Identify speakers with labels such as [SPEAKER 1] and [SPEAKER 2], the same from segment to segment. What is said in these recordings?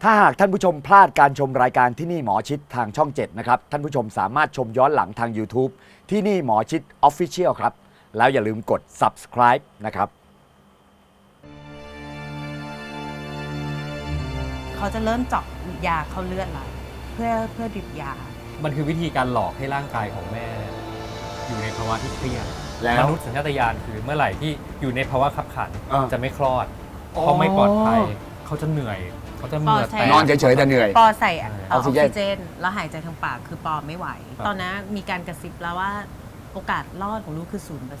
[SPEAKER 1] ถ้าหากท่านผู้ชมพลาดการชมรายการที่นี่หมอชิดทางช่อง 7 นะครับท่านผู้ชมสามารถชมย้อนหลังทาง YouTube ที่นี่หมอชิด Official ครับแล้วอย่าลืมกด subscribe นะครับ
[SPEAKER 2] เขาจะเริ่มเจาะยาเข้าเลือดเราเพื่อดริปยา
[SPEAKER 3] มันคือวิธีการหลอกให้ร่างกายของแม่ อยู่ในภาวะที่เครียด
[SPEAKER 1] แล้ว
[SPEAKER 3] มนุษย์สัญชาตญาณคือเมื่อไหร่ที่อยู่ในภาวะขับขัน จะไม่คลอด
[SPEAKER 1] อ๋อ
[SPEAKER 3] เพราะไม่ปลอดภัยเขาจะเหนื่อยเขาจะเหนื่อย
[SPEAKER 1] นอนเฉยๆแต่เหนื่อย
[SPEAKER 2] ปอใส่อ
[SPEAKER 1] ออกซิ
[SPEAKER 2] อก
[SPEAKER 1] เจน
[SPEAKER 2] ซิเจนแล้วหายใจทางปากคือปอไม่ไหว ตอนนั้นมีการกระซิบแล้วว่าโอกาสรอดของลูกคือ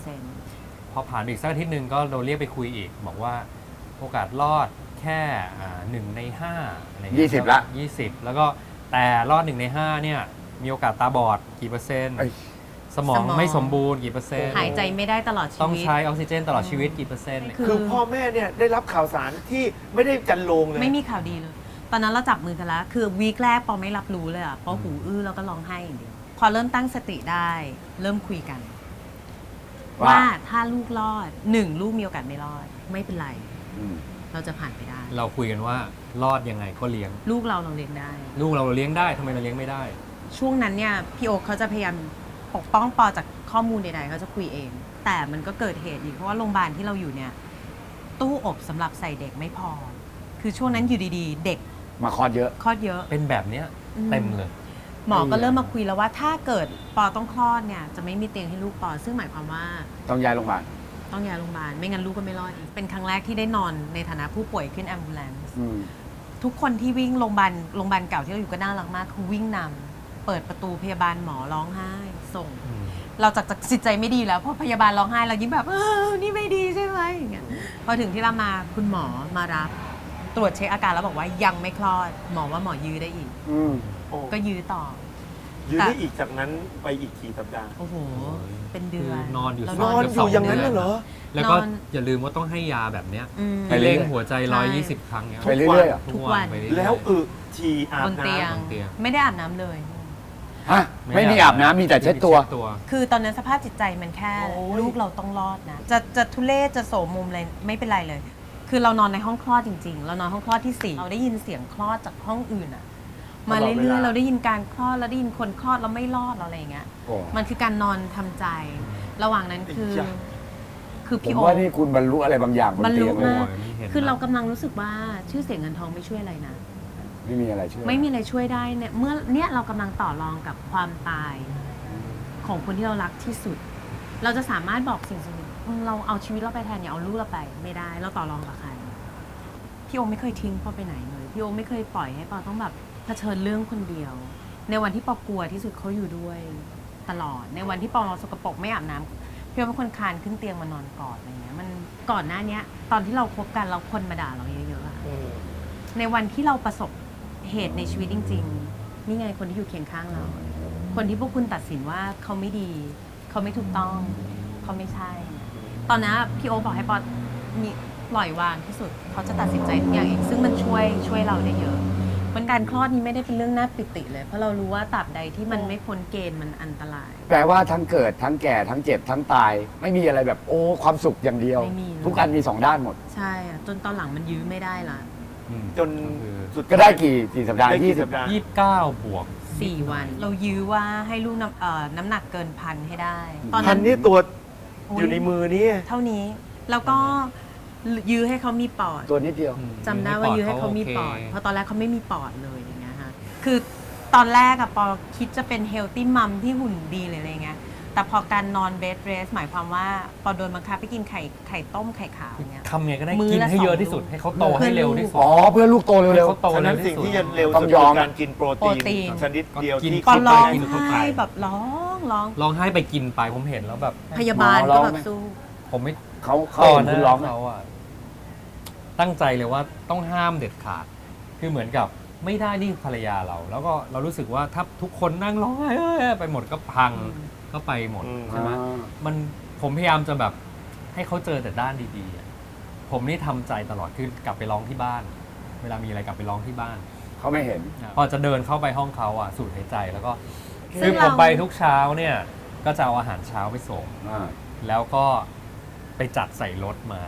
[SPEAKER 2] 0%
[SPEAKER 3] พอผ่านอีกสักอาทิตย์หนึ่งก็โดนเรียกไปคุยอีก บอกว่าโอกาสรอดแค่1 ใน 5อะไรเงี้ย
[SPEAKER 1] 20ละ
[SPEAKER 3] 20 แล้วก็แต่รอด1 ใน 5เนี่ยมีโอกาสตาบอดกี่เปอร์เซ็นต์
[SPEAKER 1] เอ้ย
[SPEAKER 3] สมองไม่สมบูรณ์กี่เปอร์เซ็นต์
[SPEAKER 2] หายใจไม่ได้ตลอดชี
[SPEAKER 3] ต้อง
[SPEAKER 2] วิต
[SPEAKER 3] ใช้ออกซิเจนตลอดชีวิตกี่เปอร์เซ็นต์
[SPEAKER 4] คือพ่อแม่เนี่ยได้รับข่าวสารที่ไม่ได้จันโลงเลย
[SPEAKER 2] ไม่มีข่าวดีเลย ตอนนั้นเราจับมือกันแล้วคือวีคแรกปอไม่รับรู้เลยอะปอหูอื้อแล้วก็ร้องไห้อย่างเดียวพอเริ่มตั้งสติได้เริ่มคุยกัน ว่าถ้าลูกรอด1ลูกมีโอกาสไม่รอดไม่เป็นไร เราจะผ่านไปได้
[SPEAKER 3] เราคุยกันว่ารอดยังไงก็เลี้ยง
[SPEAKER 2] ลูกเราเลี้ยงได้
[SPEAKER 3] ลูกเราเลี้ยงได้ทำไมเราเลี้ยงไม่ได้
[SPEAKER 2] ช่วงนั้นเนี่ยพี่โอ๊คเขาจะพยายามปกป้องปอจากข้อมูลใดๆเขาจะคุยเอง แต่มันก็เกิดเหตุอีกเพราะว่าโรงพยาบาลที่เราอยู่เนี่ยตู้อบสำหรับใส่เด็กไม่พอ คือช่วงนั้นอยู่ดีๆ เด็ก
[SPEAKER 1] มาคลอดเยอะ
[SPEAKER 2] คลอดเยอะ
[SPEAKER 3] เป็นแบบเนี้ย
[SPEAKER 2] อืม
[SPEAKER 3] เต็มเลย
[SPEAKER 2] หมอก็เริ่มมาคุยแล้วว่าถ้าเกิดปอต้องคลอดเนี่ยจะไม่มีเตียงให้ลูกปอซึ่งหมายความว่า
[SPEAKER 1] ต้องย้ายโรงพยาบาล
[SPEAKER 2] ต้องย้ายโรงพยาบาลไม่งั้นลูกก็ไม่รอดอีกเป็นครั้งแรกที่ได้นอนในฐานะผู้ป่วยขึ้นแอมบูเลนซ์ ทุกคนที่วิ่งโรงพยาบาลเก่าที่เราอยู่ก็น่ารักมากคือวิ่งนำเปิดประตูพยาบาลหมอร้องไห้ส่ง เราจากจิตใจไม่ดีแล้วเพราะพยาบาลร้องไห้เรายิ่งแบบนี่ไม่ดีใช่ไหมอย่างเงี้ยพอถึงที่เรามาคุณหมอมารับตรวจเช็คอาการแล้วบอกว่ายังไม่คลอดหมอว่าหมอยื้อได้อีก
[SPEAKER 4] โอ้
[SPEAKER 2] ก็ยื้อต่อ
[SPEAKER 4] ยืนได้อีกจากนั้นไปอีกกี่สัปดาห์
[SPEAKER 2] โอ้โหเป็นเดือน
[SPEAKER 3] นอนอยู่
[SPEAKER 2] เรา
[SPEAKER 4] นอนอยู่อย่างนั้นเหรอ
[SPEAKER 3] แล้วก็
[SPEAKER 2] นอน
[SPEAKER 3] อย่าลืมว่าต้องให้ยาแบบเนี้ย
[SPEAKER 2] อืม
[SPEAKER 1] ไปเรื่
[SPEAKER 3] เร่
[SPEAKER 1] อย
[SPEAKER 3] งหัวใจ
[SPEAKER 2] ใช่
[SPEAKER 3] 120 ครั้งเนี้ย
[SPEAKER 1] ไปเรื่อยๆอ่ะ
[SPEAKER 2] ทุกวัน
[SPEAKER 3] ไปเรื่อยๆ
[SPEAKER 4] แล้วฉี่อา
[SPEAKER 2] บบ นเตียง
[SPEAKER 4] น้ำ
[SPEAKER 3] เตียง
[SPEAKER 2] ไม่ได้อาบน้ำเลย
[SPEAKER 1] ฮะไม่มีอาบน้ำมีแต่เช็ดตัว
[SPEAKER 2] คือตอนนั้นสภาพจิตใจมันแค่
[SPEAKER 4] โอ้ย
[SPEAKER 2] ลูกเราต้องรอดนะจะทุเรศจะโสมมุมอะไรไม่เป็นไรเลย คือเรานอนในห้องคลอดจริง ๆ เรานอนห้องคลอดที่ 4เราได้ยินเสียงคลอดจากห้องอื่นอะมาเรื่อยๆเราได้ยินการคลอดเราได้ยินคนคลอดเราไม่รอดเราอะไรอย่างเงี้ย
[SPEAKER 1] โอ้
[SPEAKER 2] มันคือการนอนทำใจ ระหว่างนั้นคือ
[SPEAKER 4] จ้ะ
[SPEAKER 1] ผ
[SPEAKER 2] พี่
[SPEAKER 1] ม
[SPEAKER 2] โอ๊
[SPEAKER 1] ว่า
[SPEAKER 2] ค
[SPEAKER 1] นี่คุณบรรลุอะไรบางอย่างบน
[SPEAKER 2] บรร
[SPEAKER 1] เตี
[SPEAKER 2] ลุ
[SPEAKER 1] ยงเลย
[SPEAKER 2] มาก
[SPEAKER 3] โอ้ยไม่เห็น
[SPEAKER 2] คือ
[SPEAKER 3] นะ
[SPEAKER 2] เรากำลังรู้สึกว่าชื่อเสียงเงินทองไม่ช่วยอะไรนะ
[SPEAKER 1] ไม่มีอะไรช่วย
[SPEAKER 2] ไม่มีอะไรช่วยได้เนี่ยเมื่อเนี่ยเรากำลังต่อรองกับความตายของคนที่เรารักที่สุด เราจะสามารถบอกสิ่งหนึ่งเราเอาชีวิตเราไปแทนอย่าเอาลูกเราไปไม่ได้เราต่อรองกับใครพี่โอไม่เคยทิ้งปอไปไหนเลยพี่โอไม่เคยปล่อยให้ปอต้องแบบเผชิญเรื่องคนเดียว ในวันที่ปอกลัวที่สุดเขาอยู่ด้วยตลอดในวันที่ปอสกปรกไม่อาบน้ำพี่โอเป็นคนคลานขึ้นเตียงมานอนกอดอะไรเงี้ยมันก่อนหน้าเนี้ย ตอนที่เราคบกันเราคนมาด่าเราเยอะๆอะ ในวันที่เราประสบเหตุในชีวิตจริงๆ นี่ไงคนที่อยู่เคียงข้างเรา คนที่พวกคุณตัดสินว่าเขาไม่ดี เขาไม่ถูกต้อง เขาไม่ใช่ ตอนนั้นพี่โอบอกให้ปอมีปล่อยวางที่สุด เขาจะตัดสินใจทุกอย่างเอง ซึ่งมันช่วยเราได้เยอะมันการคลอดนี้ไม่ได้เป็นเรื่องน่าปิติเลย เพราะเรารู้ว่าตราบใดที่มันไม่พ้นเกณฑ์มันอันตราย
[SPEAKER 1] แปลว่าทั้งเกิดทั้งแก่ทั้งเจ็บทั้งตาย ไม่มีอะไรแบบโอ้ความสุขอย่างเดียว
[SPEAKER 2] ไม่มีเลย
[SPEAKER 1] ทุกอันมีสองด้านหมด
[SPEAKER 2] ใช่อะจนตอนหลังมันยื้อไม่ได้ละ
[SPEAKER 4] จนสุด
[SPEAKER 1] ก็ได้กี่สัปดาห์
[SPEAKER 4] ได้
[SPEAKER 1] ยี่
[SPEAKER 4] กี่
[SPEAKER 1] สิ
[SPEAKER 4] สั
[SPEAKER 1] บ
[SPEAKER 4] ปดาห์
[SPEAKER 3] 29 บวก
[SPEAKER 2] 4 วัน เรายื้อว่าให้ลูกน้ำหนักเกิน1,000ให้ได้ ตอน
[SPEAKER 4] พั
[SPEAKER 2] นั้น น
[SPEAKER 4] นี่ตัว
[SPEAKER 2] โอ้ย
[SPEAKER 4] อยู่ในมือนี่
[SPEAKER 2] เท่านี้ แล้วก็ยื้อให้เขามีปอด
[SPEAKER 1] ตัวนิดเดียว
[SPEAKER 2] จำได้ว่ายื้อให้เขามีปอด
[SPEAKER 3] โอเค
[SPEAKER 2] เพราะตอนแรกเขาไม่มีปอดเลยอย่างเงี้ยฮะคือตอนแรกอะปอคิดจะเป็นเฮลตี้มัมที่หุ่นดีเลยอะไรเงี้ยแต่พอการนอนเบดเรสหมายความว่าปอโดนบังคับไปกินไข่ต้มไข่ขาวอย่างเงี้ย
[SPEAKER 3] ทำไงก็ได้
[SPEAKER 2] มื้อ
[SPEAKER 3] กิน
[SPEAKER 2] ละ
[SPEAKER 3] ให้เยอะ
[SPEAKER 2] 2
[SPEAKER 3] ที่สุด
[SPEAKER 2] ลูก
[SPEAKER 3] ให้เขาโตให้เร็วที่สุด
[SPEAKER 1] อ๋อเพื่อลูกโต
[SPEAKER 3] ให้
[SPEAKER 1] เร็ว
[SPEAKER 3] เขาโต
[SPEAKER 4] ฉะ
[SPEAKER 3] เร็
[SPEAKER 4] นั้
[SPEAKER 3] วน ที่
[SPEAKER 4] สิ่ง
[SPEAKER 3] สุด
[SPEAKER 4] ที่จะเร็ว
[SPEAKER 1] ต้
[SPEAKER 4] สุ
[SPEAKER 1] อ
[SPEAKER 4] ด
[SPEAKER 1] งยอม
[SPEAKER 4] คือการกินโปรตี
[SPEAKER 2] โปรตีน
[SPEAKER 4] นชนิดเดียว
[SPEAKER 3] กิน
[SPEAKER 4] ที่
[SPEAKER 2] ปอ
[SPEAKER 4] คิด
[SPEAKER 2] ร้อง
[SPEAKER 4] ได้
[SPEAKER 2] ไห้แบบร้อง
[SPEAKER 3] ร้องไห้ไปกินไปผมเห็นแล้วแบบ
[SPEAKER 2] พยาบาล
[SPEAKER 1] หมอร้
[SPEAKER 2] ก็
[SPEAKER 1] อง
[SPEAKER 2] แบบ
[SPEAKER 1] ไหม
[SPEAKER 2] สู้
[SPEAKER 3] ผมไม่
[SPEAKER 1] เขา
[SPEAKER 3] ตอน
[SPEAKER 1] เห็น
[SPEAKER 3] นั้
[SPEAKER 1] คุณ
[SPEAKER 3] น
[SPEAKER 1] ร้อง
[SPEAKER 3] เขาอะตั้งใจเลยว่าต้องห้ามเด็ดขาด คือเหมือนกับไม่ได้นี่ภรรยาเรา แล้วก็เรารู้สึกว่าถ้าทุกคนนั่งร้องไห้ไปหมดก็พังก็ไปหมดใช่ไหมมันผมพยายามจะแบบให้เขาเจอแต่ด้านดีๆอะผมนี่ทำใจตลอดคือกลับไปร้องที่บ้าน เวลามีอะไรกลับไปร้องที่บ้าน
[SPEAKER 1] เขาไม่เห็น
[SPEAKER 3] พอจะเดินเข้าไปห้องเขาอ่ะสูดหายใจแล้วก็
[SPEAKER 2] ซึ่
[SPEAKER 3] คื
[SPEAKER 2] ง
[SPEAKER 3] อ
[SPEAKER 2] เรา
[SPEAKER 3] ผมไปทุกเช้าเนี่ยก็จะเอาอาหารเช้าไปส่ง แล้วก็ไปจัดใส่รถมา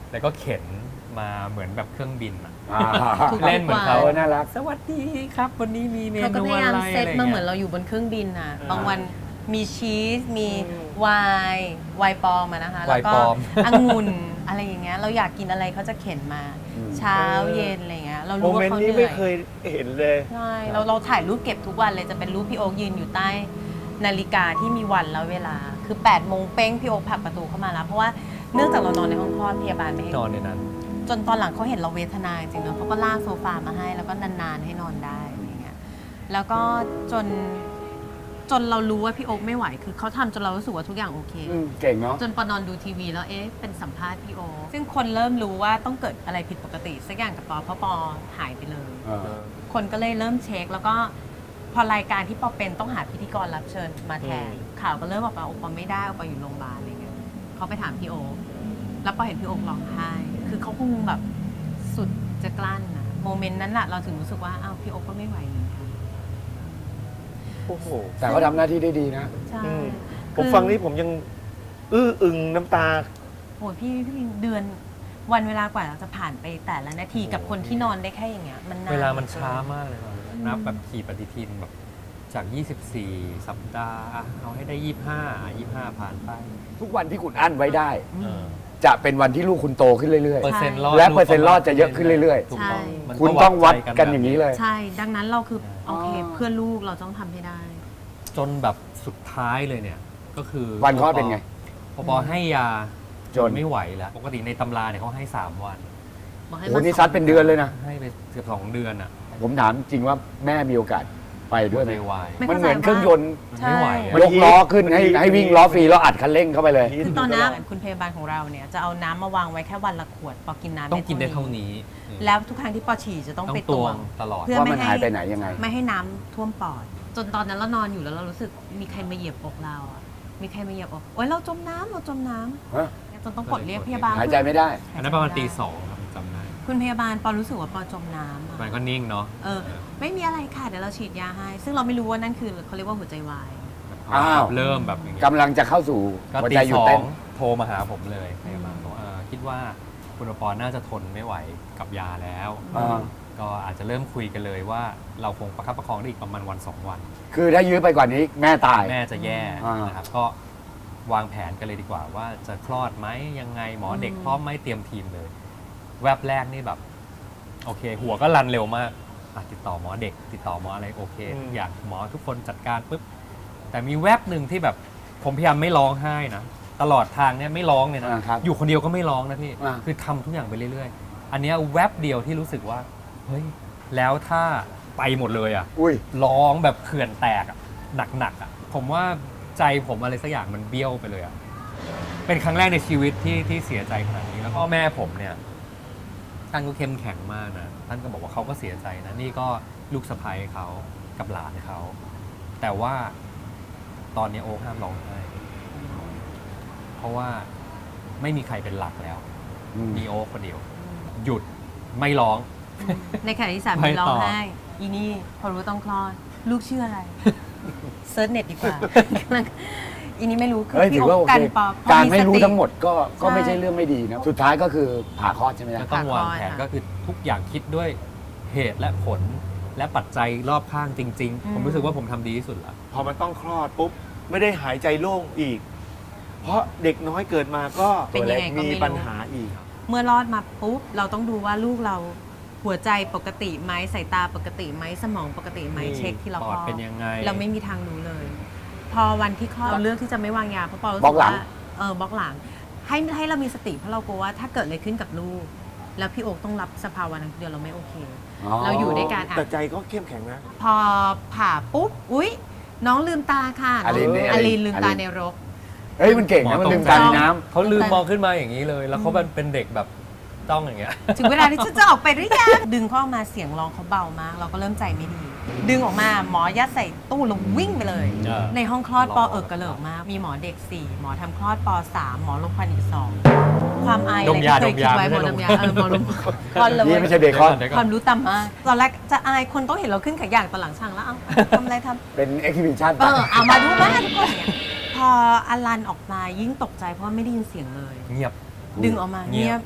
[SPEAKER 3] แล้วก็เข็นมาเหมือนแบบเครื่องบินอะ
[SPEAKER 2] ทุก
[SPEAKER 3] เล่นเหมือนเขา
[SPEAKER 2] วัน
[SPEAKER 1] น่ารัก
[SPEAKER 3] สวัสดีครับวันนี้มีเม
[SPEAKER 2] เขาก็
[SPEAKER 3] นู
[SPEAKER 2] พยายา
[SPEAKER 3] อะ
[SPEAKER 2] ม
[SPEAKER 3] ไร
[SPEAKER 2] เซต
[SPEAKER 3] อะไร
[SPEAKER 2] มาเหมือน
[SPEAKER 3] เงี้ย
[SPEAKER 2] เราอยู่บนเครื่องบินน่ะ
[SPEAKER 4] อ่า
[SPEAKER 2] บางวันมีชีส มีไวน์ปลอมอะนะคะ
[SPEAKER 3] ไว
[SPEAKER 2] แล้ว
[SPEAKER 3] น์
[SPEAKER 2] ก็
[SPEAKER 3] ปลอม
[SPEAKER 2] องุ่นอะไรอย่างเงี้ย เราอยากกินอะไรเขาจะเข็นมา เช้าเย็นอะไรเงี้ย เรา
[SPEAKER 4] โม
[SPEAKER 2] รู้ว่า
[SPEAKER 4] เมนต์
[SPEAKER 2] เขา
[SPEAKER 4] นี้
[SPEAKER 2] เหนื่
[SPEAKER 4] ไม่
[SPEAKER 2] อย
[SPEAKER 4] เคยเห็นเลย
[SPEAKER 2] ใช่เราถ่ายรูปเก็บทุกวันเลย จะเป็นรูปพี่โอ๊คยืนอยู่ใต้นาฬิกาที่มีวันแล้วเวลา คือ8 โมงเป้งพี่โอ๊คผลักประตูเข้ามาแล้ว เพราะว่าเนื่องจากเรานอนในห้องคลอดพยาบาลไม่ให้
[SPEAKER 3] นอนในนั้น
[SPEAKER 2] จนตอนหลังเขาเห็นเราเวทนาจริงๆเนอะเขาก็ลากโซฟามาให้แล้วก็นานๆให้นอนได้อะไรเงี้ยแล้วก็จนเรารู้ว่าพี่โอ๊คไม่ไหวคือเขาทำจนเรารู้สึกว่าทุกอย่างโอเค
[SPEAKER 1] เก่งเนาะ
[SPEAKER 2] จนปอนอนดูทีวีแล้วเป็นสัมภาษณ์พี่โอ๊คซึ่งคนเริ่มรู้ว่าต้องเกิดอะไรผิดปกติสักอย่างกับปอเพราะปอหายไปเลย คนก็เลยเริ่มเช็คแล้วก็พอรายการที่ปอเป็นต้องหาพิธีกรรับเชิญมาแทนข่าวก็เริ่มบอกว่าโอปอไม่ได้โอปออยู่โรงพยาบาลอะไรเงี้ยเขาไปถามพี่โอ๊คแล้วปอเห็นพี่โอ๊คร้องไห้คือเขาคงแบบสุดจะกลั้นนะโมเมนต์นั้นแหละเราถึงรู้สึกว่าอ้าวพี่โอ๊คก็ไม่ไหวเหมือนกัน
[SPEAKER 4] โอ้โห
[SPEAKER 1] แต่เขาทำหน้าที่ได้ดีนะ
[SPEAKER 2] ใช่
[SPEAKER 4] ผมฟังนี้ผมยังอื้ออึงน้ำตา
[SPEAKER 2] โหพี่เดือนวันเวลากว่าเราจะผ่านไปแต่ละนาทีกับคนที่นอนได้แค่อย่างเงี้ยมันนาน
[SPEAKER 3] เวลามันช้ามากเลยนับแบบขี่ปฏิทินแบบจาก 24 สัปดาห์อ่ะเอาให้ได้ 25 ผ่านไป
[SPEAKER 1] ทุกวันที่คุณอั้นไว้ได้
[SPEAKER 3] เออ
[SPEAKER 1] จะเป็นวันที่ลูกคุณโตขึ้นเรื่อย
[SPEAKER 3] เปอร์เซ็นต์รอด
[SPEAKER 1] และเปอร์เซ็นต์รอดจะเยอะขึ้นเรื่อยๆ
[SPEAKER 3] ถูกต้องมัน
[SPEAKER 1] ๆ คุณต้องวัดกันอย่างนี้เลย
[SPEAKER 2] ใช่ดังนั้นเราคือโอเค
[SPEAKER 1] อ๋อ
[SPEAKER 2] เพื่อลูกเราต้องทำให้ได้
[SPEAKER 3] จนแบบสุดท้ายเลยเนี่ย ก็คือ
[SPEAKER 1] วันคลอดเป็นไง
[SPEAKER 3] พอให้ยา
[SPEAKER 1] จน
[SPEAKER 3] ไม่ไหวแล้ว ปกติในตำราเนี่ยเขาให้ 3 วัน
[SPEAKER 2] บอกให้
[SPEAKER 1] โอ้โห
[SPEAKER 2] มา
[SPEAKER 1] นี่ซัดเป็นเดือนเลยนะ
[SPEAKER 3] ให้ไปเกือบ2 เดือนอ่ะ
[SPEAKER 1] ผมถามจริงว่าแม่มีโอกาสไปด้วยไหม
[SPEAKER 3] ไม่ไหว
[SPEAKER 1] มันเหมือนเครื่องยนต์
[SPEAKER 3] มันไม่ไหวอะ
[SPEAKER 1] ยกล้อขึ้นให้วิ่งล้อฟรีแล้วอัดคันเร่งเข้าไปเลย
[SPEAKER 2] คือตอนนั้นคุณพยาบาลของเราเนี่ยจะเอาน้ำมาวางไว้แค่วันละขวดปอกินน้ำ
[SPEAKER 3] ต้องกินได้เท่านี้
[SPEAKER 2] แล้วทุกครั้งที่ปอฉี่จะต้อง
[SPEAKER 3] ต้อง
[SPEAKER 2] ไป
[SPEAKER 3] ต
[SPEAKER 2] ต
[SPEAKER 3] ว
[SPEAKER 2] ว
[SPEAKER 3] ง
[SPEAKER 2] ง
[SPEAKER 3] ตลอด
[SPEAKER 2] เพื่อ
[SPEAKER 1] ว่า
[SPEAKER 2] ไม่
[SPEAKER 1] มัน
[SPEAKER 2] ให้
[SPEAKER 1] หายไปไหนยังไง
[SPEAKER 2] ไม่ให้น้ำท่วมปอด จนตอนนั้นเรานอนอยู่แล้วเรารู้สึกมีใครมาเหยียบอกเราอะมีใครมาเหยียบอกโอ๊ยเราจมน้ำ
[SPEAKER 1] ฮะ
[SPEAKER 2] จนต้องกดเรียกพยาบาล
[SPEAKER 1] หายใจไม่ได้
[SPEAKER 3] อันนั้นประมาณตี 2ครับจำได้
[SPEAKER 2] คุณพยาบาลปอรู้สึกว่าปอจมน้ำอะ
[SPEAKER 3] มันก็นิ่งเนาะ
[SPEAKER 2] ไม่มีอะไรค่ะเดี๋ยวเราฉีดยาให้ ซึ่งเราไม่รู้ว่านั่นคือเขาเรียกว่าหัวใจวาย
[SPEAKER 1] อ้าว
[SPEAKER 3] เริ่มแบบอย่างเงี้ย
[SPEAKER 1] กำลังจะเข้าสู่
[SPEAKER 3] ก็
[SPEAKER 1] หัว
[SPEAKER 3] ตี
[SPEAKER 1] ใจหยุ
[SPEAKER 3] ส
[SPEAKER 1] ด
[SPEAKER 3] อ
[SPEAKER 1] เต้
[SPEAKER 3] ง
[SPEAKER 1] น
[SPEAKER 3] โทรมาหาผมเลยพยาบาลบอกว่าคิดว่าคุณปอน่าจะทนไม่ไหวกับยาแล้ว
[SPEAKER 1] อ่า
[SPEAKER 3] ก็อาจจะเริ่มคุยกันเลยว่าเราคงประคับประคองได้อีกประมาณวัน2 วัน
[SPEAKER 1] คือถ้ายื้อไปกว่านี้แม่ตาย
[SPEAKER 3] แม่จะแย่
[SPEAKER 1] อ่าน
[SPEAKER 3] นะครับก็วางแผนกันเลยดีกว่าว่าจะคลอดไหมยังไงหมอเด็กพร้อมไหมเตรียมทีมเลย แวบแรกนี่แบบ โอเค หัวก็รันเร็วมากอ่ะติดต่อหมอเด็ก ติดต่อหมออะไรโอเคทุกอย่างหมอทุกคนจัดการปุ๊บแต่มีแวบหนึ่งที่แบบผมพยายามไม่ร้องไห้นะตลอดทางเนี่ยไม่ร้องเลยนะ
[SPEAKER 1] ครับ
[SPEAKER 3] อยู่คนเดียวก็ไม่ร้องนะพี่
[SPEAKER 1] อ่า
[SPEAKER 3] คือทำทุกอย่างไปเรื่อยๆ อันเนี้ยแวบเดียวที่รู้สึกว่าเฮ้ยแล้วถ้าไปหมดเลยอ่ะ
[SPEAKER 1] อุ้ย
[SPEAKER 3] ร้องแบบเขื่อนแตกอะหนักๆอะผมว่าใจผมอะไรสักอย่างมันเบี้ยวไปเลยอะเป็นครั้งแรกในชีวิตที่เสียใจขนาดนี้แล้วก็แม่ผมเนี่ยท่านก็เข้มแข็งมากนะท่านก็บอกว่าเขาก็เสียใจนะนี่ก็ลูกสะใภ้เขากับหลานเขาแต่ว่าตอนนี้โอ๊คห้ามร้องไห้เพราะว่าไม่มีใครเป็นหลักแล้ว มีโอ๊คคนเดียว หยุดไม่ร้อง
[SPEAKER 2] ในขณะที่สา
[SPEAKER 3] ไม่
[SPEAKER 2] มี
[SPEAKER 3] ต่อ
[SPEAKER 2] ร้องไห้อีนี่พอรู้ต้องคลอด ลูกชื่ออะไร เซิร์ชเน็ตดีกว่า อีนี่ไม่รู้คือ
[SPEAKER 1] เฮ้ยถื
[SPEAKER 2] พี่
[SPEAKER 1] อ
[SPEAKER 2] โอ๊
[SPEAKER 1] ว่าโอ
[SPEAKER 2] คกั
[SPEAKER 1] เคน
[SPEAKER 2] ปอพอ
[SPEAKER 1] การ
[SPEAKER 2] ส
[SPEAKER 1] ไม่รู้
[SPEAKER 2] ติ
[SPEAKER 1] ทั้งหมดก็ไม่
[SPEAKER 2] ใช่
[SPEAKER 1] ใช่เรื่องไม่ดีนะ สุดท้ายก็คือผ่าคลอดใช่ไหมล่ะ
[SPEAKER 3] ก็ต้องวางแผน
[SPEAKER 2] ค่ะ
[SPEAKER 3] ก็คือทุกอย่างคิดด้วยเหตุและผลและปัจจัยรอบข้างจริง ๆ ผมรู้สึกว่าผมทำดีที่สุดละ
[SPEAKER 4] พอมันต้องคลอดปุ๊บ ไม่ได้หายใจโล่งอีก เพราะเด็กน้อยเกิดมาก็
[SPEAKER 2] เป็นยังไงก็ไม่รู้
[SPEAKER 4] มีปัญหาอีก
[SPEAKER 2] เมื่อรอดมาปุ๊บเราต้องดูว่าลูกเราหัวใจปกติไหมสายตาปกติไหมสมองปกติไหมเช็คที่เรา
[SPEAKER 3] ป
[SPEAKER 2] ค
[SPEAKER 3] อ
[SPEAKER 2] ล
[SPEAKER 3] ด
[SPEAKER 2] อด
[SPEAKER 3] เป็นยังไง
[SPEAKER 2] เราไม่มีทางรู้เลย พอวันที่คลอดเราเลือกที่จะไม่วางยาเพราะปอรู้
[SPEAKER 1] บล็
[SPEAKER 2] สึ
[SPEAKER 1] อก
[SPEAKER 2] ก
[SPEAKER 1] หลัง
[SPEAKER 2] ว่าบล็อกหลังให้เรามีสติเพราะเรากลัวว่าถ้าเกิดอะไรขึ้นกับลูก แล้วพี่โอ๊คต้องรับสภาวะนั้นเดียวเราไม่โอเค เราอยู่ด้วยกัน
[SPEAKER 4] แต่ใจก็เข้มแข็งนะ
[SPEAKER 2] พอผ่าปุ๊บอุ๊ย น้องลืมตาค่ะ
[SPEAKER 1] อลินนี่
[SPEAKER 2] อลินลืมตา
[SPEAKER 1] อลิน
[SPEAKER 2] ในรก
[SPEAKER 1] เฮ้ยมันเก่งนะมันลืมตาในน้ำ
[SPEAKER 3] เขาลืมมองขึ้นมาอย่างนี้เลย แล้วเขาเป็นเด็กแบบต้องอย่างเงี้ย
[SPEAKER 2] ถึงเวลาที่ฉันจะออกไปหรือยัง ดึงเขาออกมาเสียงร้องเขาเบามาก เราก็เริ่มใจไม่ดี ดึงออกมาหมอยัดใส่ตู้แล้ววิ่งไปเลย
[SPEAKER 3] เออ
[SPEAKER 2] ในห้องคลอดปอ
[SPEAKER 3] รอ
[SPEAKER 2] กระเหลิกมาก มีหมอเด็ก 4 หมอทำคลอดป3 หมอลงควันอีก 2 ความอายอะไรที่เคยคิดไว้หมอดมยาหมอลงควันเลย
[SPEAKER 1] นี่ไม่ใช่เบคอน
[SPEAKER 3] เดี๋ยว
[SPEAKER 2] ค
[SPEAKER 3] ก่
[SPEAKER 2] วา
[SPEAKER 3] อน
[SPEAKER 2] มรู้ต่ำมาก ตอนแรกจะอายคนต้องเห็นเราขึ้นขาอย่างตอนหลังช่างแล้วเอ้าทำอะไรทำ
[SPEAKER 1] เป็นเอ็กซิบิชัน
[SPEAKER 2] เอามาดูมาทุกคนเนี่ยพออลันออกมายิ่งตกใจเพราะว่าไม่ได้ยินเสียงเลย
[SPEAKER 3] เงียบ
[SPEAKER 2] ดึงออกมา
[SPEAKER 3] เงี
[SPEAKER 2] เงี
[SPEAKER 3] ย
[SPEAKER 2] ย
[SPEAKER 3] บ
[SPEAKER 2] บ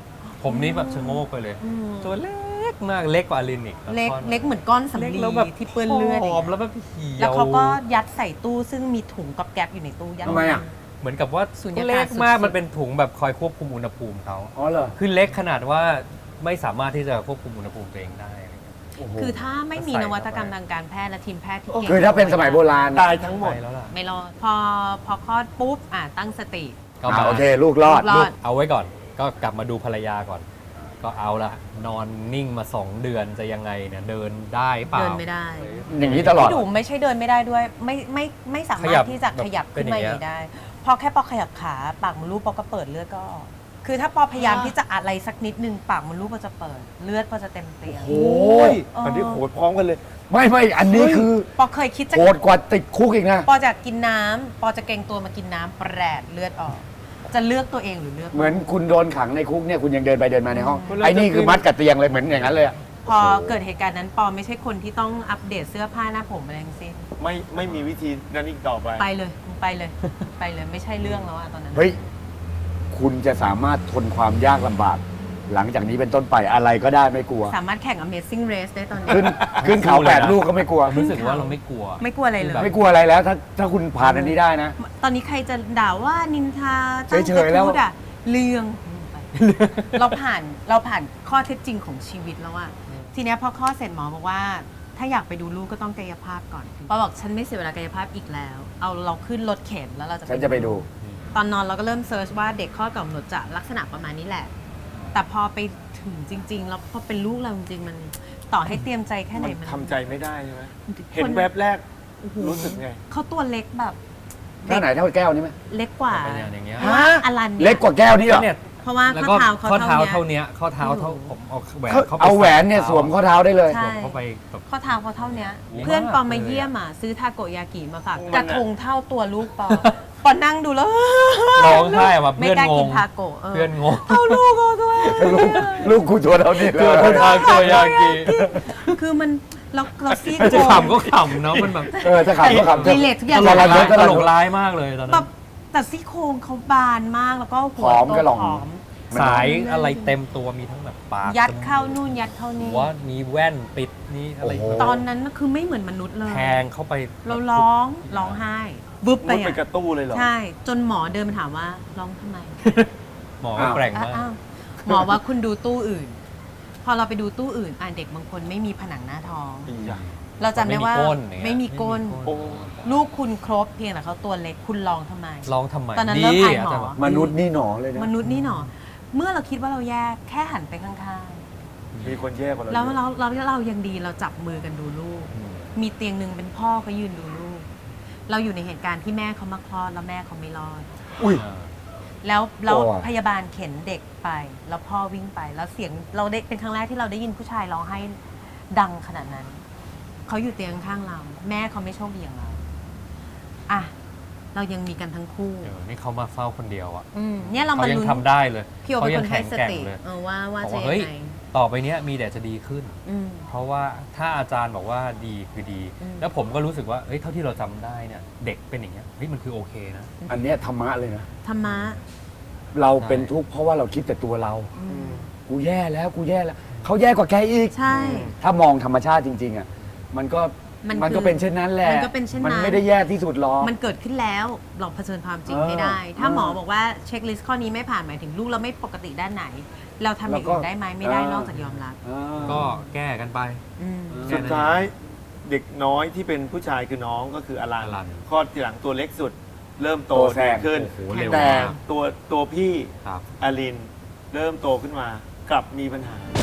[SPEAKER 3] ผมนี่แบบชะโงกไปเลย
[SPEAKER 2] อืม
[SPEAKER 3] ตัวเล็กมากเล็กกว่าอลินอีก
[SPEAKER 2] เล็ก
[SPEAKER 3] ก้อน
[SPEAKER 2] เล็กเหมือนก้อนสำ
[SPEAKER 3] เล็ก
[SPEAKER 2] ลี
[SPEAKER 3] แล้วแบบ
[SPEAKER 2] ที่เปื้อนเลือด
[SPEAKER 3] ผ
[SPEAKER 2] อย่าง
[SPEAKER 3] อม
[SPEAKER 2] เงี้ย
[SPEAKER 3] แล้วแบบเหี่ยว
[SPEAKER 2] แล้วเขาก็ยัดใส่ตู้ซึ่งมีถุงกับแก๊บอยู่ในตู้ยัด
[SPEAKER 1] ทำไมอ่ะ
[SPEAKER 3] เหมือนกับว่า
[SPEAKER 2] สุญญากาศ
[SPEAKER 3] เล็กมาก
[SPEAKER 2] สุดๆ
[SPEAKER 3] มันเป็นถุงแบบคอยควบคุมอุณหภูมิเขา
[SPEAKER 1] อ๋อเหรอ
[SPEAKER 3] คือเล็กขนาดว่าไม่สามารถที่จะควบคุมอุณหภูมิตัวเองได้อะไรเงี้ย
[SPEAKER 1] โอ้โห
[SPEAKER 2] คือถ้าไม่มี
[SPEAKER 3] ใส่
[SPEAKER 2] น
[SPEAKER 3] เข้าไป
[SPEAKER 2] วัตกรรมทางการแพทย์และทีมแพทย์ที่เก่ง
[SPEAKER 1] คือถ้าเป็นสมัยโบราณ
[SPEAKER 4] ตายทั้งหมด
[SPEAKER 3] ไปแล้วล่ะ
[SPEAKER 2] ไม่รอดพอคลอดปุ๊บตั้งสติ
[SPEAKER 3] ก็มา
[SPEAKER 1] โอเค ลูกรอด
[SPEAKER 2] ลูกรอด
[SPEAKER 3] เอาไว้ก่อนก็กลับมาดูภรรยาก่อน ก็เอาละนอนนิ่งมา 2 เดือนจะยังไงเนี่ยเดินได้เปล่า
[SPEAKER 2] เดินไม่ได้
[SPEAKER 1] อย่างนี้ตลอด
[SPEAKER 2] พี่ดุมไม่ใช่เดินไม่ได้ด้วย ไม่สา
[SPEAKER 3] ข
[SPEAKER 2] มา
[SPEAKER 3] ยั
[SPEAKER 2] ร
[SPEAKER 3] บ
[SPEAKER 2] ถที่จะขยับ
[SPEAKER 3] แบบเป็น
[SPEAKER 2] ขึ้นมา
[SPEAKER 3] อย่าง
[SPEAKER 2] อ
[SPEAKER 3] เงี้ย
[SPEAKER 2] ย่างนี้ได้ พอแค่ปอขยับขาปากมดลูกปอก็เปิดเลือดก็ออกคือถ้าปอพยายามที่จะอะไรสักนิดนึงปากมดลูกปอจะเปิดเลือดปอจะเต็มเตียง
[SPEAKER 1] โอ้ย
[SPEAKER 4] อันนี้โหดพร้อมกันเลย
[SPEAKER 1] ไม่อันนี้คือ
[SPEAKER 2] ปอเคยคิดจะ
[SPEAKER 1] โหดกว่าติดคุกอีกนะ
[SPEAKER 2] ปอจะกินน้ำปอจะเกรงตัวมากินน้ำแปรดเลือดออก จะเลือกตัวเองหรือเลือก
[SPEAKER 1] เหมือนคุณโดนขังในคุกเนี่ยคุณยังเดินไปเดินมาในห้อง
[SPEAKER 4] อืม
[SPEAKER 1] ไอ้นี่คือมัดกับเตียงเลยเหมือนอย่างนั้นเลยอะ
[SPEAKER 2] พอเกิดเหตุการณ์นั้นปอไม่ใช่คนที่ต้องอัปเดตเสื้อผ้าหน้าผมอะไรทั้งสิ้น
[SPEAKER 4] ไม่มีวิธีนั้นอีกต่อไป
[SPEAKER 2] ไปเลยไปเลยไม่ใช่เรื่องแล้วอะตอนนั้น
[SPEAKER 1] เฮ้ย คุณจะสามารถทนความยากลำบาก หลังจากนี้เป็นต้นไปอะไรก็ได้ไม่กลัว
[SPEAKER 2] สามารถแข่ง Amazing Race ได้ตอนนี้
[SPEAKER 1] ขึ้นเขา8 ลูกก็ไม่กลัว
[SPEAKER 3] รู้สึกว่าเราไม่กลัว
[SPEAKER 2] ไม่กลัวอะไรเลย
[SPEAKER 3] แบบ
[SPEAKER 1] ไม่กลัวอะไรแล้ว ถ้าคุณผ่านอันนี้ได้นะ
[SPEAKER 2] ตอนนี้ใครจะด่าว่านินทาตั้ง
[SPEAKER 1] เฉยๆแล้ว
[SPEAKER 2] กระทู้ด่าเรื่องไปเราผ่านข้อเท็จจริงของชีวิตแล้วอะทีเนี้ยพอข้อดเสร็จหมอบอกว่า ถ้าอยากไปดูลูกก็ต้องกายภาพก่อนปอบอกฉันไม่เสียเวลากายภาพอีกแล้ว เอาเราขึ้นรถเข็นแล้วเราจะ
[SPEAKER 1] ฉันจะไปดู
[SPEAKER 2] ตอนนอนเราก็เริ่มเซิร์ชว่าเด็กข้อดกับกำหนดจะลักษณะประมาณนี้แหละ แต่พอไปถึงจริง ๆ แล้วพอเป็นลูกเราจริงๆมันต่อให้เตรียมใจแค่ไหน
[SPEAKER 4] มัน
[SPEAKER 2] มัน
[SPEAKER 4] ทำใจไม่ได้ใช่ไหม
[SPEAKER 2] ค
[SPEAKER 4] เห็นแวบแรก
[SPEAKER 2] โอ้โห
[SPEAKER 4] รู้สึกไง
[SPEAKER 2] เขาตัวเล็กแบบ
[SPEAKER 1] เท่าไหนเท่าแก้วนี้ไหม
[SPEAKER 2] เล็กกว่า
[SPEAKER 3] เป็นอย่างเงี้ย
[SPEAKER 2] เพราะว่าอลันนี่ย
[SPEAKER 1] เล็กกว่าแก้วนี่เหรอ
[SPEAKER 3] เนี่ย
[SPEAKER 2] เพราะว่า
[SPEAKER 3] แล้ว
[SPEAKER 2] ข้อ
[SPEAKER 3] ก็
[SPEAKER 2] เท้าเขา
[SPEAKER 3] ข้อเท้า
[SPEAKER 2] เท่า
[SPEAKER 3] เท่า
[SPEAKER 2] เนี้ย
[SPEAKER 3] เนี้ยข้อเท้าเท่าผมเอาแหวนเข้าไป
[SPEAKER 1] เอาแหวนเนี่ยสวมข้อเท้าได้เลย
[SPEAKER 2] ใช่
[SPEAKER 3] สวมเข้าไปแบบ
[SPEAKER 2] ข้อเท้าเขาเท่าเนี้ย
[SPEAKER 3] เล็ก
[SPEAKER 2] เพื่อนปอมา
[SPEAKER 3] เลยอะ
[SPEAKER 2] เยี่ยมอ่ะซื้อทาโกยากิมาฝาก
[SPEAKER 4] มัน
[SPEAKER 2] กระทงเท่าตัวลูกปอ ปอนั่งดูแล้ว
[SPEAKER 3] ร้องไห้อะแบบ
[SPEAKER 2] ไม่
[SPEAKER 3] เพื่อน
[SPEAKER 2] กล้าง กิน
[SPEAKER 3] ง
[SPEAKER 2] ทาโกะ
[SPEAKER 3] เพื่อนงง
[SPEAKER 2] เท่าลูกเขาด้วย
[SPEAKER 1] ลูกกูตัวเท่านี้เล
[SPEAKER 3] เพื่อน
[SPEAKER 1] ย
[SPEAKER 3] ทางตัวยากิ
[SPEAKER 2] คือมันเราซี่
[SPEAKER 3] จะ
[SPEAKER 2] โครง
[SPEAKER 3] ขำก็ขำเนาะมันแบบ
[SPEAKER 1] จะขับก็ขับ
[SPEAKER 2] รีเลททุกอย่าง
[SPEAKER 3] ตลกร้าย
[SPEAKER 1] ต
[SPEAKER 3] ต
[SPEAKER 1] ล
[SPEAKER 3] ล
[SPEAKER 1] ก
[SPEAKER 3] กร้ายมากเลยตอน
[SPEAKER 2] แบ
[SPEAKER 3] นั้
[SPEAKER 2] บ
[SPEAKER 3] น
[SPEAKER 2] แต่ซี่โครงเขาบานมากแล้วก็หัว
[SPEAKER 1] ผอม
[SPEAKER 2] โต
[SPEAKER 1] ก็หล่อง
[SPEAKER 2] ผอม
[SPEAKER 3] สายอะไรเต็มตัวมีทั้งแบบปาก
[SPEAKER 2] ยัดเข้านู่นยัดเข้านี่
[SPEAKER 3] หัวมีแว่นปิดนี่อะไร
[SPEAKER 1] โอ้โห
[SPEAKER 2] ตอนนั้นน่ะคือไม่เหมือนมนุษย์เลย
[SPEAKER 3] แทงเข้าไป
[SPEAKER 2] เราร้องไห้บึ๊บไป
[SPEAKER 4] มุดไป
[SPEAKER 2] อ่ะ
[SPEAKER 4] กระตู้เลยเหรอ
[SPEAKER 2] ใช่ จนหมอเดินมาถามว่าร้องทำไม
[SPEAKER 3] หมอก็แกร่งมาก
[SPEAKER 2] อ้าวหมอว่าคุณดูตู้อื่น พอเราไปดูตู้อื่นเด็กบางคนไม่มีผนังหน้าท้อง
[SPEAKER 4] อีหยัง
[SPEAKER 2] เราจำได้ว่า
[SPEAKER 3] ไม่มีก้น
[SPEAKER 4] โอ้
[SPEAKER 2] ลูกคุณครบเพียงแต่เขาตัวเล็กคุณร้องทำไม
[SPEAKER 3] ร้องทำไม
[SPEAKER 2] ตอนนั้นเริ่มอายหมอ
[SPEAKER 3] จารย์บอก
[SPEAKER 1] มนุษย์นี่หนอเลยนะ
[SPEAKER 2] มนุษย์นี่หนอเมื่อเราคิดว่าเราแย่แค่หันไปข้าง
[SPEAKER 4] มีคนแย่กว่าเรา
[SPEAKER 2] ๆ แล้ว
[SPEAKER 4] เยอะ
[SPEAKER 2] เรายังดีเราจับมือกันดูลูก มีเตียงหนึ่งเป็นพ่อเขายืนดูลูก เราอยู่ในเหตุการณ์ที่แม่เขามาคลอดแล้วแม่เขาไม่รอด
[SPEAKER 1] อุ้ย
[SPEAKER 2] แล้ว
[SPEAKER 1] โอ้อะ
[SPEAKER 2] พยาบาลเข็นเด็กไป แล้วพ่อวิ่งไป แล้วเสียงเราได้เป็นครั้งแรกที่เราได้ยินผู้ชายร้องไห้ดังขนาดนั้น เขาอยู่เตียงข้างเรา แม่เขาไม่โชคดีอย่างเราอ่ะเรายังมีกันทั้งคู่
[SPEAKER 3] นี่เขามาเฝ้าคนเดียวอ่ะ
[SPEAKER 2] เนี่ยเรา
[SPEAKER 3] เขา
[SPEAKER 2] มา
[SPEAKER 3] ยัง
[SPEAKER 2] ลุ้น
[SPEAKER 3] ทำได้เลย
[SPEAKER 2] พี่โอ
[SPEAKER 3] เขา
[SPEAKER 2] เป็น
[SPEAKER 3] ยั
[SPEAKER 2] คนให้
[SPEAKER 3] แข็ง
[SPEAKER 2] ส
[SPEAKER 3] แกร่ง
[SPEAKER 2] ติ
[SPEAKER 3] เลย
[SPEAKER 2] ว่า
[SPEAKER 3] บอก
[SPEAKER 2] จะ
[SPEAKER 3] ว่า
[SPEAKER 2] ยั
[SPEAKER 3] เฮ้ย
[SPEAKER 2] งไง
[SPEAKER 3] ต่อไปเนี้ยมีแต่จะดีขึ้น
[SPEAKER 2] อืม
[SPEAKER 3] เพราะว่าถ้าอาจารย์บอกว่าดีคือดี
[SPEAKER 2] อืม
[SPEAKER 3] แล้วผมก็รู้สึกว่าเฮ้ยเท่าที่เราจำได้เนี่ยเด็กเป็นอย่างเงี้ยเฮ้ยมันคือโอเคนะ
[SPEAKER 1] อันเนี้ยธรรมะเลยนะ
[SPEAKER 2] ธรรมะ
[SPEAKER 1] เราเป็นทุกข์เพราะว่าเราคิดแต่ตัวเรา
[SPEAKER 2] อืม
[SPEAKER 1] กูแย่แล้วกูแย่แล้วเขาแย่กว่าแกอีก
[SPEAKER 2] ใช่
[SPEAKER 1] ถ้ามองธรรมชาติจริง ๆอ่ะมันก็
[SPEAKER 2] มัน
[SPEAKER 1] ก็เป็นเช่นนั้นแหละ
[SPEAKER 2] มันก็เป็นเช่นนั้น
[SPEAKER 1] มันไม่ได้แย่ที่สุดหรอก
[SPEAKER 2] มันเกิดขึ้นแล้วเราเผชิญความจริง
[SPEAKER 1] เออ
[SPEAKER 2] ให้ได้ ถ้า
[SPEAKER 1] เออ
[SPEAKER 2] หมอบอกว่าเช็คลิสต์ข้อนี้ไม่ผ่านหมายถึงลูกเราไม่ปกติด้านไหน เราทำอย่างอื่นได้ไหมไม่ได้
[SPEAKER 1] เออ
[SPEAKER 2] นอกจากยอมรับ
[SPEAKER 1] อ่า
[SPEAKER 3] ก็แก้กันไป
[SPEAKER 2] อืม
[SPEAKER 4] สุดท้ายเด็กน้อยที่เป็นผู้ชายคือน้องก็คืออลัน
[SPEAKER 3] อลัน
[SPEAKER 4] คลอดทีหลังตัวเล็กสุด เริ่มโต
[SPEAKER 1] โตแซ
[SPEAKER 4] ดี
[SPEAKER 1] ง
[SPEAKER 4] ขึ้น
[SPEAKER 3] โอ้โหเร็ว
[SPEAKER 4] แต่
[SPEAKER 3] มาก
[SPEAKER 4] ตัวพี่
[SPEAKER 3] ครับ
[SPEAKER 4] อลินเริ่มโตขึ้นมากลับมีปัญหา